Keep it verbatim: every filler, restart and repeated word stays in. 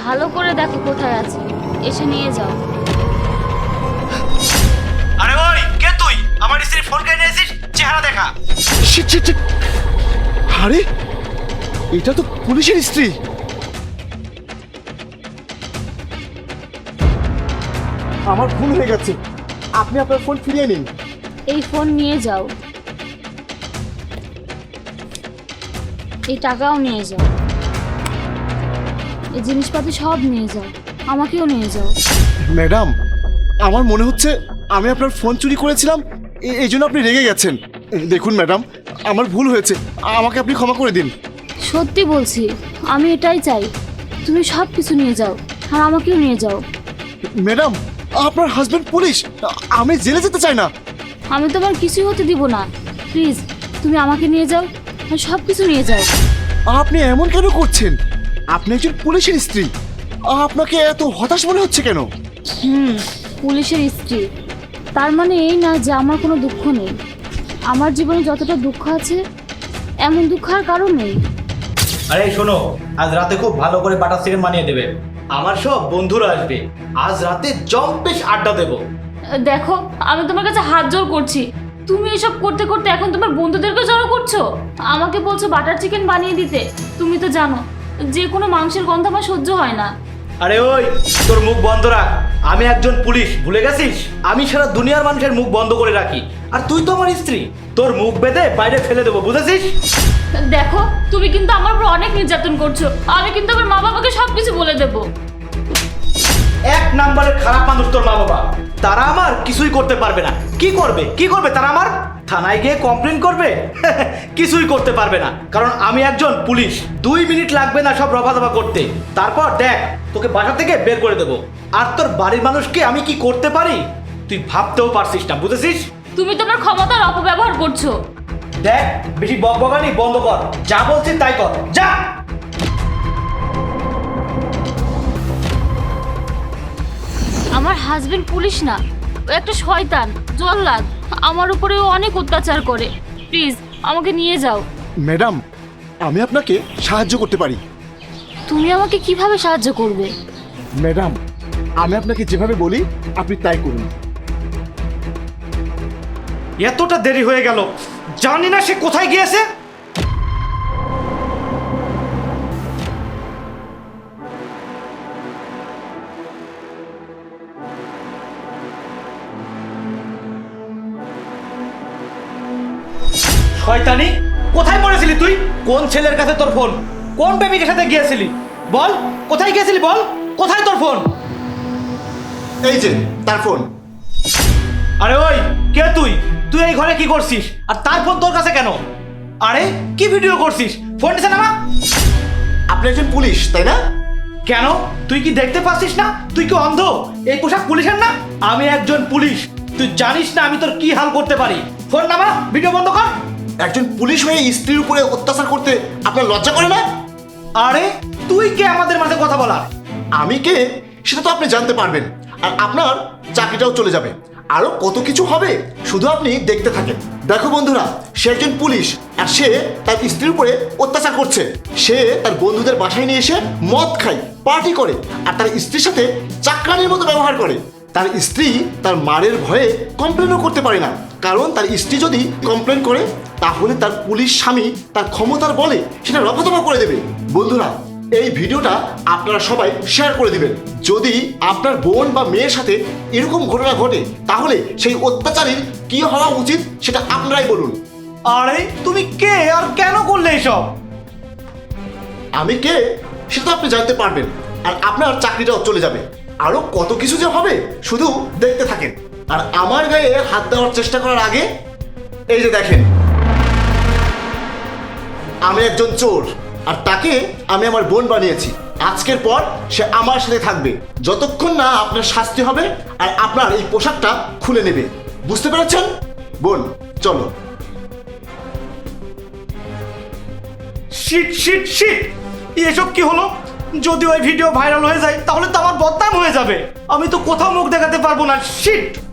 ভালো করে দেখো কোথায় আছে, এসে নিয়ে যাও। আরে ওই কে তুই? আমার স্ত্রীর ফোন কেটে নিয়েছিস, চেহারা দেখা। Shit shit shit. আরে এটা তো পুলিশের স্ত্রী। আমার ভুল হয়ে গেছে, আপনি আপনার ফোন ফিরিয়ে নিন। এই ফোন নিয়ে যাও, এই টাকাও নিয়ে যাও, এই জিনিসপাতি সব নিয়ে যাও, আমাকেও নিয়ে যাও। ম্যাডাম, আমার মনে হচ্ছে আমি আপনার ফোন চুরি করেছিলাম, এ- এই জন্য আপনি রেগে গেছেন। দেখুন ম্যাডাম, আমার ভুল হয়েছে, আমাকে আপনি ক্ষমা করে দিন। সত্যি বলছি, আমি এটাই চাই, তুমি সব কিছু নিয়ে যাও আর আমাকেও নিয়ে যাও। ম্যাডাম, আপনার হাজবেন্ড পুলিশ, আমি জেলে যেতে চাই না। আমি তোমার কিছুই হতে দিব না, প্লিজ তুমি আমাকে নিয়ে যাও আর সব কিছু নিয়ে যাও। আপনি এমন কেন করছেন? আপনি একজন পুলিশের স্ত্রী, আপনাকে এত হতাশ মনে হচ্ছে কেন? হুম, পুলিশের স্ত্রী, তার মানে এই না যে আমার কোনো দুঃখ নেই। আমার জীবনে যতটা দুঃখ আছে, এমন দুঃখ আর কারো নেই। আরে শোনো, আজ রাতে খুব ভালো করে বাটার চিকেন বানিয়ে দেবে। আমার সব বন্ধুরা আসবে, আজ রাতে জম্পেশ আড্ডা দেবো। দেখো, আমি তোমার কাছে হাত জোর করছি, তুমি এসব করতে করতে এখন তোমার বন্ধুদেরকে জড়ো করছো, আমাকে বলছো বাটার চিকেন বানিয়ে দিতে। তুমি তো জানো যে কোনো মাংসের গন্ধ আমার সহ্য হয় না। আরে ওই, তোর মুখ বন্ধ রাখ। আমি একজন পুলিশ, ভুলে গেছিস? আমি সারা দুনিয়ার মানুষের মুখ বন্ধ করে রাখি, আর তুই তো আমার স্ত্রী। তোর মুখ বেঁধে বাইরে ফেলে দেবো, বুঝেছিস? দেখো, তুমি কিন্তু আমার উপর অনেক নির্যাতন করছো, আমি কিন্তু আমার মা বাবাকে সব কিছু বলে দেবো। এক নাম্বারের খারাপ মানুষ তোর মা বাবা। তারা আমার কিছুই করতে পারবে না। কি করবে কি করবে তারা? আমার থানায় গিয়ে কমপ্লেন করবে? কিছুই করতে পারবে না, কারণ আমি একজন পুলিশ। দুই মিনিট লাগবে না সব রফা দফা করতে। তারপর দেখ, তোকে বাসা থেকে বের করে দেবো। আর তোর বাড়ির মানুষকে আমি কি করতে পারি তুই ভাবতেও পারছিস না, বুঝেছিস? তুমি তোমার ক্ষমতার অপব্যবহার করছো। দেখ, বেশি বকবকানি বন্ধ কর, যা বলছিস তাই কর, যা। আমার হাজবেন্ড পুলিশ না, ও একটা শয়তান, জল্লাদ, আমার উপরে ও অনেক অত্যাচার করে। প্লিজ আমাকে নিয়ে যাও। ম্যাডাম, আমি আপনাকে সাহায্য করতে পারি। তুমি আমাকে কিভাবে সাহায্য করবে? ম্যাডাম, আমি আপনাকে যেভাবে বলি আপনি তাই করুন। এতটা দেরি হয়ে গেল, জানি না সে কোথায় গিয়েছে। শয়তানি, কোথায় পড়েছিলি তুই? কোন ছেলের কাছে তোর ফোন? কোন প্রেমিকের সাথে গিয়েছিলি? বল, কোথায় গিয়েছিলি? বল, কোথায় তোর ফোন? এই যে তার ফোন। আরে ওই, কে তুই? তুই এই ঘরে কি করছিস? আর তার ফোন তোর কাছে কেন? আরে কি ভিডিও করছিস? ফোন দিছে না মা? আপনি একজন পুলিশ, তাই না? কেন, তুই কি দেখতে পাচ্ছিস না? তুই কি অন্ধ? এই পোশাক পুলিশের না? আমি একজন পুলিশ, তুই জানিস না আমি তোর কি হাল করতে পারি? ফোন নামা, ভিডিও বন্ধ কর। একজন পুলিশ হয়ে স্ত্রীর উপরে অত্যাচার করতে আপনার লজ্জা করে না? আরে তুই কে আমাদের মাঝে কথা বলা? আমি কে সেটা তো আপনি জানতে পারবেন, আর আপনার চাকরিটাও চলে যাবে। আরো কত কিছু হবে, শুধু আপনি দেখতে থাকেন। দেখো বন্ধুরা, সে একজন পুলিশ, আর সে তার স্ত্রীর উপরে অত্যাচার করছে। সে তার বন্ধুদের বাসায় নিয়ে এসে মদ খায়, পার্টি করে, আর তার স্ত্রীর সাথে চাকরানির মতো ব্যবহার করে। তার স্ত্রী তার মারের ভয়ে কমপ্লেনও করতে পারে না, কারণ তার স্ত্রী যদি কমপ্লেন করে তাহলে তার পুলিশ স্বামী তার ক্ষমতার বলে সেটা রফাদফা করে দেবে। বন্ধুরা, এই ভিডিওটা আপনারা সবাই শেয়ার করে দিবেন। যদি আপনার বোন বা মেয়ের সাথে এরকম ঘটনা ঘটে তাহলে সেই অত্যাচারীর কি হওয়া উচিত সেটা আপনারাই বলুন। আরে তুমি কে আর কেন করলে এসব? আমি কে সেটা তো আপনি জানতে পারবেন, আর আপনার চাকরিটাও চলে যাবে। আরো কত কিছু যে হবে, শুধু দেখতে থাকেন। আর আমার গায়ে হাত দেওয়ার চেষ্টা করার আগে এই যে দেখেন, আমি একজন চোর, আর তাকে আমি আমার বোন বানিয়েছি। আজকের পর সে আমার সাথে থাকবে যতক্ষণ না আপনার শাস্তি হবে আর আপনার এই পোশাকটা খুলে নেবে। বুঝতে পেরেছেন? বোন, চলো। শিট শিট শিট, এসব কি হলো? যদি ওই ভিডিও ভাইরাল হয়ে যায় তাহলে তো আমার বদনাম হয়ে যাবে। আমি তো কোথাও মুখ দেখাতে পারবো না। শিট।